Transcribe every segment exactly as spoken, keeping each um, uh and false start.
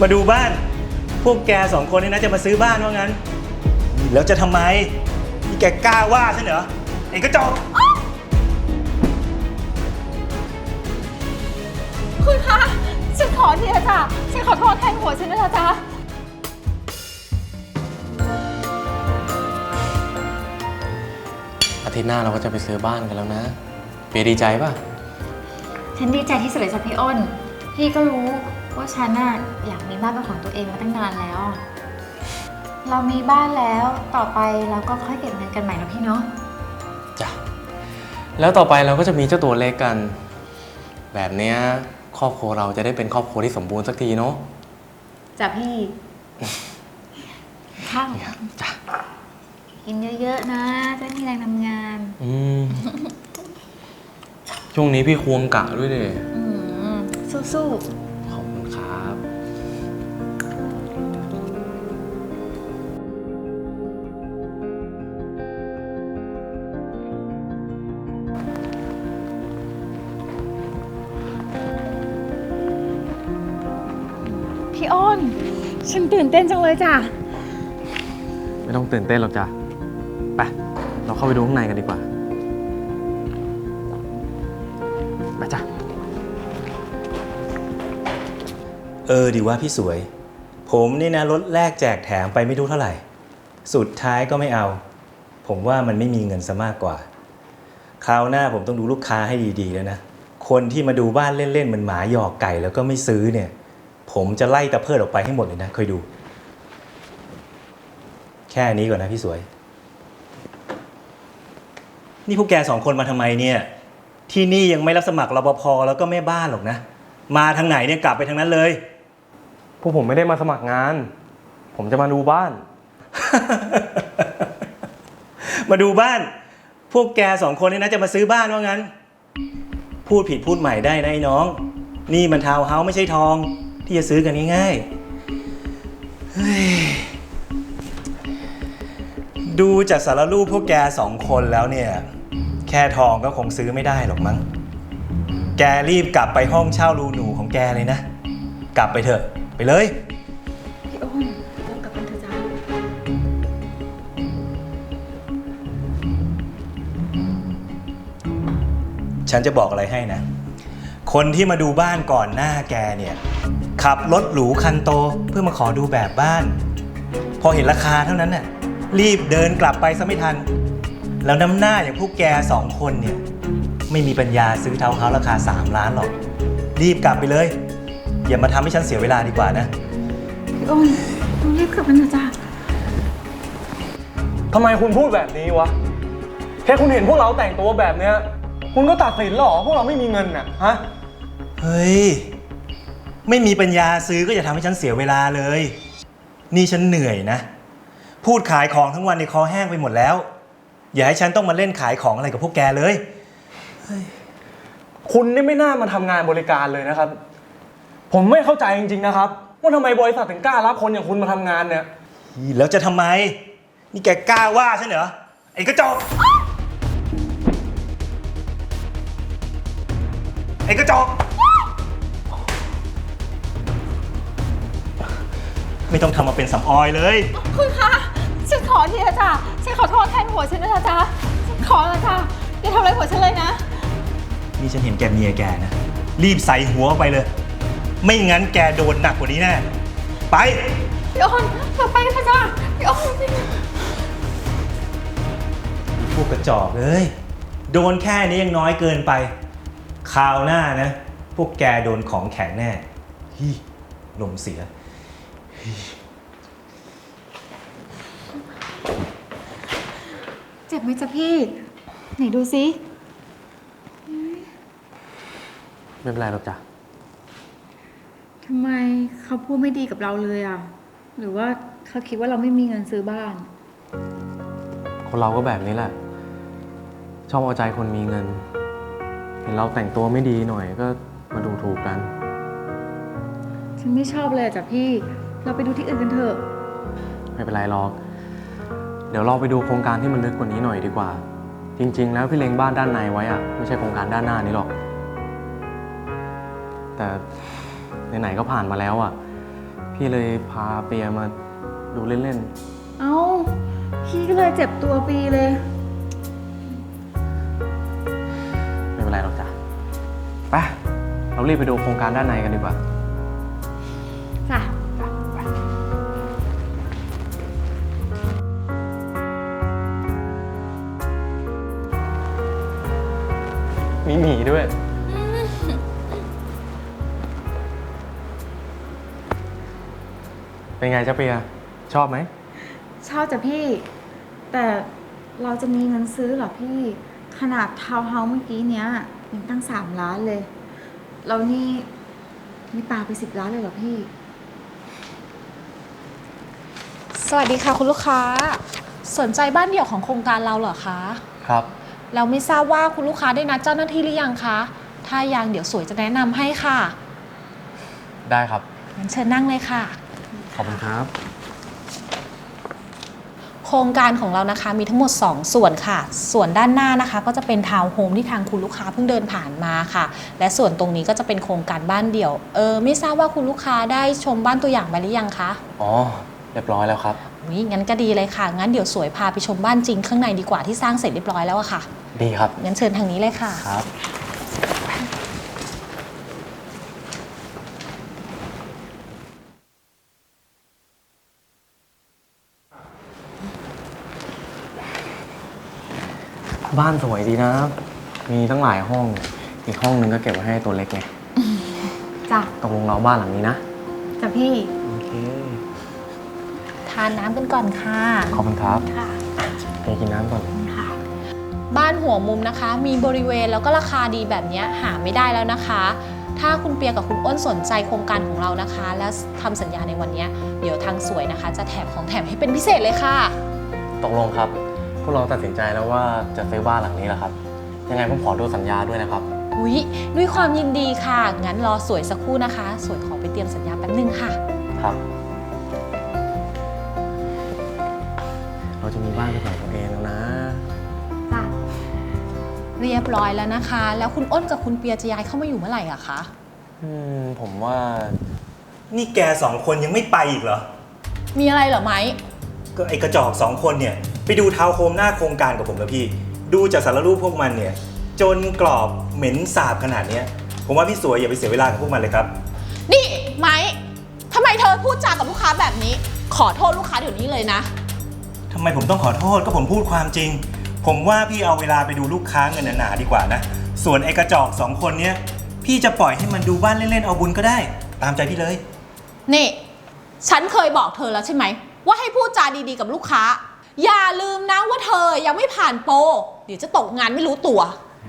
มาดูบ้านพวกแกสองคนนี่นะจะมาซื้อบ้านว่างั้นแล้วจะทำไมนี่แกกล้าว่าฉันเหรอไอ้กระจอกคุณคะฉันขอทีนะจ๊ะฉันขอโทษแทนหัวฉันนะจ๊ะอาทิตย์หน้าเราก็จะไปซื้อบ้านกันแล้วนะเปียดีใจป่ะฉันดีใจที่สุดเลยจ้ะพี่อ้นพี่ก็รู้ว่าฉันน่ะอยากมีบ้านเป็นของตัวเองมาตั้งนานแล้วเรามีบ้านแล้วต่อไปเราก็ค่อยเก็บเงินกันใหม่นะพี่เนาะจ้ะแล้วต่อไปเราก็จะมีเจ้าตัวเล็กกันแบบเนี้ยครอบครัวเราจะได้เป็นครอบครัวที่สมบูรณ์สักทีเนาะจ้ะพี่ข้าวจ้ะกินเยอะๆนะจะมีแรงทำงานอืมช่วงนี้พี่ควงกะด้วยดิสู้ๆขอบคุณครับพี่อ้นฉันตื่นเต้นจังเลยจ้ะไม่ต้องตื่นเต้นหรอกจ้ะไปเราเข้าไปดูข้างในกันดีกว่าไปจ้ะเออดีว่าพี่สวยผมนี่นะรถแรกแจกแถมไปไม่รู้เท่าไหร่สุดท้ายก็ไม่เอาผมว่ามันไม่มีเงินซะมากกว่าคราวหน้าผมต้องดูลูกค้าให้ดีๆแล้วนะคนที่มาดูบ้านเล่นๆเหมือนหมาหยอกไก่แล้วก็ไม่ซื้อเนี่ยผมจะไล่ตะเพิดออกไปให้หมดเลยนะคอยดูแค่นี้ก่อนนะพี่สวยนี่พวกแกสองคนมาทำไมเนี่ยที่นี่ยังไม่รับสมัครรปภแล้วก็แม่บ้านหรอกนะมาทางไหนเนี่ยกลับไปทางนั้นเลยพวกผมไม่ได้มาสมัครงานผมจะมาดูบ้านมาดูบ้านพวกแกสองคนนี่นะจะมาซื้อบ้านว่างั้นพูดผิดพูดใหม่ได้นะไอ้น้องนี่มันทาวน์เฮาส์ไม่ใช่ทองที่จะซื้อกันง่ายๆดูจากสารรูปพวกแกสองคนแล้วเนี่ยแค่ทองก็คงซื้อไม่ได้หรอกมั้งแกรีบกลับไปห้องเช่ารูหนูของแกเลยนะกลับไปเถอะไปเลยพี่อ้นเรากลับกันเถอะจ้าฉันจะบอกอะไรให้นะคนที่มาดูบ้านก่อนหน้าแกเนี่ยขับรถหรูคันโตเพื่อมาขอดูแบบบ้านพอเห็นราคาเท่านั้นน่ะรีบเดินกลับไปซะไม่ทันแล้วน้ำหน้าอย่างพวกแกสองคนเนี่ยไม่มีปัญญาซื้อทาวน์เฮาส์ราคาสามล้านหรอกรีบกลับไปเลยอย่ามาทำให้ฉันเสียเวลาดีกว่านะพี่อ้นต้องรีบกลับกันเถอะจ้าทำไมคุณพูดแบบนี้วะแค่คุณเห็นพวกเราแต่งตัวแบบเนี้ยคุณก็ตัดสินหรอพวกเราไม่มีเงินน่ะฮะเฮ้ยไม่มีปัญญาซื้อก็อย่าทำให้ฉันเสียเวลาเลยนี่ฉันเหนื่อยนะพูดขายของทั้งวันในคอแห้งไปหมดแล้วอย่าให้ฉันต้องมาเล่นขายของอะไรกับพวกแกเลยคุณนี่ไม่น่ามาทำงานบริการเลยนะครับผมไม่เข้าใจจริงๆนะครับว่าทำไมบริษัทถึงกล้ารับคนอย่างคุณมาทำงานเนี่ยแล้วจะทำไมนี่แกกล้าว่าฉันเหรอไอ้กระจอกไอ้กระจอกไม่ต้องทำมาเป็นสำออยเลยคุณคะฉันขอทีนะจ๊ะฉันขอโทษแทนหัวฉันนะจ๊ะฉันขอนะจ๊ะอย่าทำอะไรหัวฉันเลยนะนี่ฉันเห็นแกเมียแกนะรีบใส่หัวออกไปเลยไม่งั้นแกโดนหนักกว่านี้แน่ไปพี่อ้นเราไปกันเถอะจ้ะพี่อ้นพวกกระจอกเลยโดนแค่นี้ยังน้อยเกินไปคราวหน้านะพวกแกโดนของแข็งแน่ฮีลมเสียเจ็บไหมจ๊ะพี่ไหนดูซิไม่เป็นไรหรอกจ้ะทำไมเขาพูดไม่ดีกับเราเลยอ่ะหรือว่าเขาคิดว่าเราไม่มีเงินซื้อบ้านคนเราก็แบบนี้แหละชอบเอาใจคนมีเงินเห็นเราแต่งตัวไม่ดีหน่อยก็มาดูถูกกันฉันไม่ชอบเลยจ้ะพี่เราไปดูที่อื่นกันเถอะไม่เป็นไรหรอกเดี๋ยวเราไปดูโครงการที่มันลึกกว่านี้หน่อยดีกว่าจริงๆแล้วพี่เล็งบ้านด้านในไว้อะไม่ใช่โครงการด้านหน้านี้หรอกแต่ไหนๆก็ผ่านมาแล้วอะพี่เลยพาเปียมาดูเล่นเอ้า พี่ก็เลยเจ็บตัวปีเลยๆ ไม่เป็นไรหรอกจ้ะไปเรารีบไปดูโครงการด้านในกันดีกว่าจ้ะมีหมีด้วย เป็นไงจ๊ะเปีย ชอบไหมชอบจ้ะพี่ แต่เราจะมีเงินซื้อเหรอพี่ ขนาดทาวน์เฮาส์เมื่อกี้เนี้ยยังตั้งสามล้านเลย เรานี่มีปาไปสิบล้านเลยเหรอพี่สวัสดีค่ะคุณลูกค้าสนใจบ้านเดี่ยวของโครงการเราเหรอคะครับเราไม่ทราบว่าคุณลูกค้าได้นัดเจ้าหน้าที่หรือยังคะถ้ายังเดี๋ยวสวยจะแนะนำให้ค่ะได้ครับงั้นเชิญนั่งเลยค่ะขอบคุณครับโครงการของเรานะคะมีทั้งหมดสองส่วนค่ะส่วนด้านหน้านะคะก็จะเป็นทาวน์โฮมที่ทางคุณลูกค้าเพิ่งเดินผ่านมาค่ะและส่วนตรงนี้ก็จะเป็นโครงการบ้านเดี่ยวเออไม่ทราบว่าคุณลูกค้าได้ชมบ้านตัวอย่างไปหรือยังคะอ๋อ เรียบร้อยแล้วครับอุ๊ยงั้นก็ดีเลยค่ะงั้นเดี๋ยวสวยพาไปชมบ้านจริงข้างในดีกว่าที่สร้างเสร็จเรียบร้อยแล้วอะค่ะดีครับงั้นเชิญทางนี้เลยค่ะครับ บ้านสวยดีนะ มีตั้งหลายห้อง อีกห้องนึงก็เก็บไว้ให้ตัวเล็กไงจ้ะตกลงเราบ้านหลังนี้นะจ้ะพี่โอเคทานน้ำกันก่อนค่ะขอบคุณครับค่ะไปกินน้ำก่อนค่ะบ้านหัวมุมนะคะ มีบริเวณแล้วก็ราคาดีแบบนี้หาไม่ได้แล้วนะคะ ถ้าคุณเปียกับคุณอ้นสนใจโครงการของเรานะคะ และทำสัญญาในวันนี้เดี๋ยวทางสวยนะคะ จะแถมของแถมให้เป็นพิเศษเลยค่ะตกลงครับ พวกเราตัดสินใจแล้วว่าจะซื้อบ้านหลังนี้แหละครับ ยังไงผมขอดูสัญญาด้วยนะครับอุ๊ยด้วยความยินดีค่ะ งั้นรอสวยสักครู่นะคะ สวยขอไปเตรียมสัญญาแป๊บนึงค่ะครับ เราจะมีบ้านเป็นของตัวเองแล้วนะจ้ะเรียบร้อยแล้วนะคะ แล้วคุณอ้นกับคุณเปียจะย้ายเข้ามาอยู่เมื่อไหร่อะคะอืม ผมว่านี่แกสองคนยังไม่ไปอีกเหรอมีอะไรเหรอไหมก็ไอกระจอกสองคนเนี่ยไปดูทาวน์โฮมหน้าโครงการกับผมแล้วพี่ ดูจากสารรูปพวกมันเนี่ยจนกรอบเหม็นสาบขนาดเนี้ยผมว่าพี่สวยอย่าไปเสียเวลากับพวกมันเลยครับนี่ไหมทำไมเธอพูดจากับลูกค้าแบบนี้ ขอโทษลูกค้าเดี๋ยวนี้เลยนะทำไมผมต้องขอโทษก็ผมพูดความจริง ผมว่าพี่เอาเวลาไปดูลูกค้าเงินหนาๆดีกว่านะ ส่วนไอ้กระจอกสองคนเนี้ยพี่จะปล่อยให้มันดูบ้านเล่นๆเอาบุญก็ได้ ตามใจพี่เลยนี่ ฉันเคยบอกเธอแล้วใช่ไหม ว่าให้พูดจาดีๆกับลูกค้า อย่าลืมนะว่าเธอยังไม่ผ่านโปร เดี๋ยวจะตกงานไม่รู้ตัว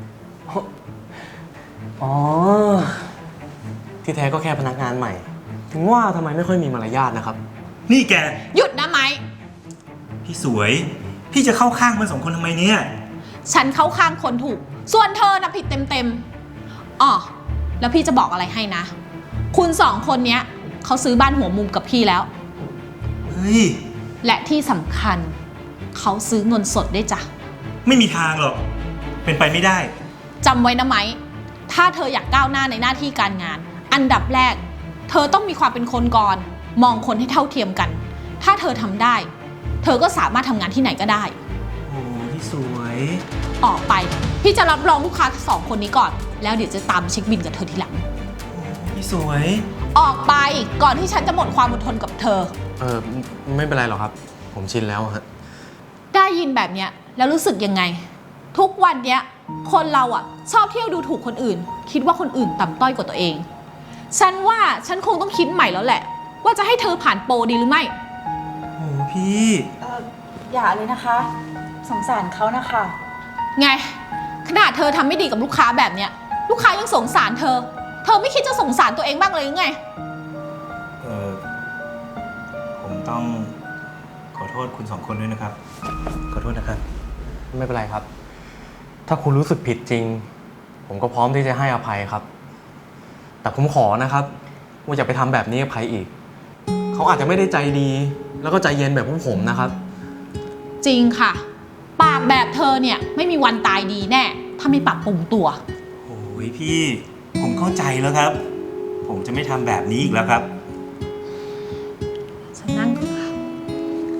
อ๋อ ที่แท้ก็แค่พนักงานใหม่ ถึงว่าทำไมไม่ค่อยมีมารยาทนะครับนี่แกหยุดนะไหมพี่สวย พี่จะเข้าข้างมันสองคนทำไมเนี่ยฉันเข้าข้างคนถูก ส่วนเธอนะผิดเต็มๆอ๋อแล้วพี่จะบอกอะไรให้นะ คุณสองคนเนี้ยเขาซื้อบ้านหัวมุมกับพี่แล้วเฮ้ยและที่สำคัญเขาซื้อเงินสดได้วยจ้ะไม่มีทางหรอก เป็นไปไม่ได้จำไว้นะไหม ถ้าเธออยากก้าวหน้าในหน้าที่การงาน อันดับแรก เธอต้องมีความเป็นคนก่อน มองคนให้เท่าเทียมกัน ถ้าเธอทำได้ เธอก็สามารถทำงานที่ไหนก็ได้โอ้พี่สวยออกไป พี่จะรับรองลูกค้าสองคนนี้ก่อน แล้วเดี๋ยวจะตามเช็คบินกับเธอทีหลังพี่สวยออกไปก่อนที่ฉันจะหมดความอดทนกับเธอเออไม่ไม่เป็นไรหรอกครับ ผมชินแล้วฮะได้ยินแบบเนี้ยแล้วรู้สึกยังไง ทุกวันเนี้ยคนเราอ่ะชอบเที่ยวดูถูกคนอื่น คิดว่าคนอื่นต่ำต้อยกว่าตัวเอง ฉันว่าฉันคงต้องคิดใหม่แล้วแหละ ว่าจะให้เธอผ่านโปรดีหรือไม่โอ้พี่เอออย่าเลยนะคะ สงสารเขานะคะไงขนาดเธอทำไม่ดีกับลูกค้าแบบเนี้ยลูกค้ายังสงสารเธอ เธอไม่คิดจะสงสารตัวเองบ้างเลยหรือไงเออผมต้องขอโทษคุณสองคนด้วยนะครับ ขอโทษนะครับไม่เป็นไรครับ ถ้าคุณรู้สึกผิดจริง ผมก็พร้อมที่จะให้อภัยครับ แต่ผมขอนะครับว่าอย่าไปทำแบบนี้กับใครอีก เขาอาจจะไม่ได้ใจดี แล้วก็ใจเย็นแบบพวกผมนะครับจริงค่ะ ปากแบบเธอเนี่ยไม่มีวันตายดีแน่ ถ้าไม่ปรับปรุงตัวโอ้ยพี่ ผมเข้าใจแล้วครับ ผมจะไม่ทำแบบนี้อีกแล้วครับ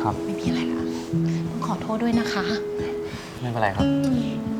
ครับไม่มีอะไรละต้องขอโทษด้วยนะคะไม่เป็นไรครับ